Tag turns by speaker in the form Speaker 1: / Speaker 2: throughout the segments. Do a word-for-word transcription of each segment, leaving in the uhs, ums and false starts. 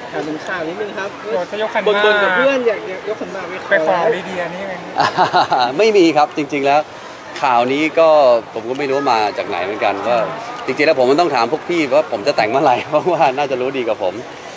Speaker 1: ถามถึงข่าวนิดนึงครับ
Speaker 2: จะยกขันห
Speaker 1: มากบนกับเพื่อนอยากยกขันหมาก
Speaker 2: ไปขอลีเดียนี่ไง
Speaker 3: ไม่มีครับจริงๆแล้วข่าวนี้ก็ผมก็ไม่รู้มาจากไหนเหมือนกันว่าจริงๆแล้วผมมันต้องถามพวกพี่ว่าผมจะแต่งเมื่อไหร่เพราะว่าน่าจะรู้ดีกับผม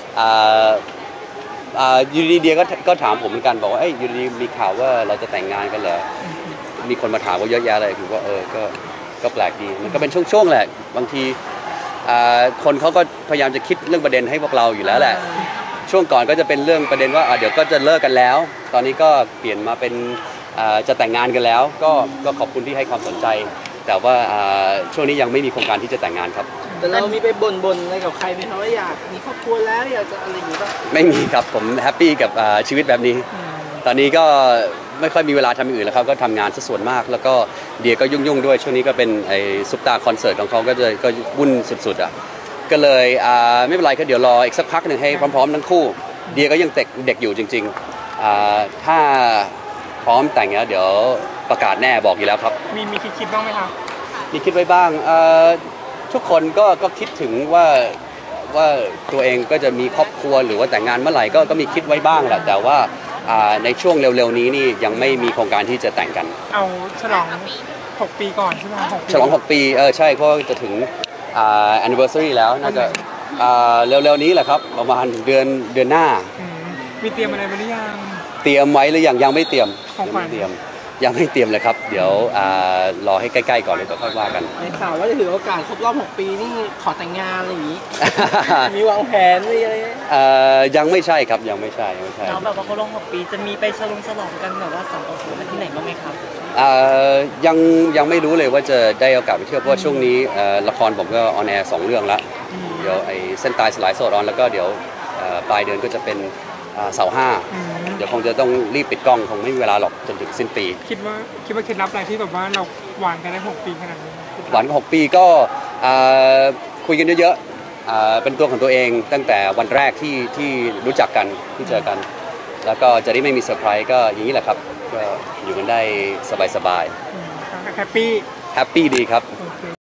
Speaker 3: ยูดีเดียก็ก็ถามผมเหมือนกันบอกว่าเอ้ยยูดีมีข่าวว่าเราจะแต่งงานกันเหรอมีคนมาถามว่าเยอะแยะเลยคือว่าเออก็ก็แปลกดีมันก็เป็นช่วงๆแหละบางทีคนเขาก็พยายามจะคิดเรื่องประเด็นให้พวกเราอยู่แล้วแหละช่วงก่อนก็จะเป็นเรื่องประเด็นว่าเดี๋ยวก็จะเลิกกันแล้วตอนนี้ก็เปลี่ยนมาเป็นจะแต่งงานกันแล้วก็ก็ขอบคุณที่ให้ความสนใจแต่ว่าช่วงนี้ยังไม่มีโครงการที่จะแต่งงานครับ
Speaker 1: แต่เรามีไปบ่นๆอะไรกับใครไหมครับว่าอยากมีครอบครัวแล้วอยากจะอะไรอย่างนี้ป่ะ
Speaker 3: ไม่มีครับผมแฮปปี้กับชีวิตแบบนี้ตอนนี้ก็ไม่ค่อยมีเวลาทำอย่างอื่นแล้วครับก็ทำงานซะส่วนมากแล้วก็เดียก็ยุ่งๆด้วยช่วงนี้ก็เป็นไอ้ซุปตาคอนเสิร์ตของเขาก็จะก็วุ่นสุดๆอ่ะก็เลยไม่เป็นไรก็เดี๋ยวรออีกสักพักหนึ่งให้พร้อมๆทั้งคู่เดียก็ยังเด็กเด็กอยู่จริงๆถ้าพร้อมแต่งแล้วเดี๋ยวประกาศแน่บอกอยู่แล้วครับ
Speaker 2: มีมีคิดบ้างไหมครับ
Speaker 3: มีคิดไว้บ้างทุกคนก็ก็คิดถึงว่าว่าตัวเองก็จะมีครอบครัวหรือว่าแต่งงานเมื่อไหร่ก็ก็มีคิดไว้บ้างแหละแต่ว่าในช่วงเร็วๆนี้นี่ยังไม่มีโครงการที่จะแต่งกัน
Speaker 2: เอาฉลองหกปีก่อนใช่ไหม
Speaker 3: ฉลองหกปีเออใช่เพราะจะถึง anniversary แล้วน่าจะเร็วๆนี้แหละครับประมาณเดือนเดือนหน้า
Speaker 2: มีเตรียมอะไรมาหรือยัง
Speaker 3: เตรียมไว้หรือยังยังไม่เตรียม
Speaker 2: ของขวัญ
Speaker 3: เตรียมยังไม่เตรียมเลยครับเดี๋ยวรอให้ใกล้ๆก่อนเลยต่อค่อยว่ากัน
Speaker 1: ในข่าวว่าจะถือโอกาสครบรอบหกปีนี่ขอแต่งงานอะไรอย่างนี้ มีวางแผนอะไร
Speaker 3: ยังไม่ใช่ครับยังไม่ใช่ยังไม่ใช่
Speaker 4: แล้วแบบว่าครบรอบหกปีจะมีไปฉลองฉลองกันแบบว่าสองต่อศูนย์ที่ไหนบ้างไหมครับ
Speaker 3: ยังยังไม่รู้เลยว่าจะได้โอกาสไปเที่ยวเพราะว่าช่วงนี้ละครผมก็ออนแอร์สองเรื่องละเดี๋ยวไอ้เส้นตายสลายโสดออนแล้วก็เดี๋ยวปลายเดือนก็จะเป็นเสาห้าเดี๋ยวคงจะต้องรีบปิดกล้องคงไม่มีเวลาหรอกจนถึงสิ้นปี
Speaker 2: คิดว่าคิดว่าเคล็ดลับอะไรที่แบบว่าเราหวานกันได้หกปีขนาดนี้
Speaker 3: หวานกันหกปีก็คุยกันเยอะๆเป็นตัวของตัวเองตั้งแต่วันแรกที่ที่รู้จักกันที่เจอกันแล้วก็จะได้ไม่มีเซอร์ไพรส์ก็อย่างนี้แหละครับก็อยู่กันได้สบายๆ
Speaker 2: แฮปปี้
Speaker 3: แฮปปี้ดีครับ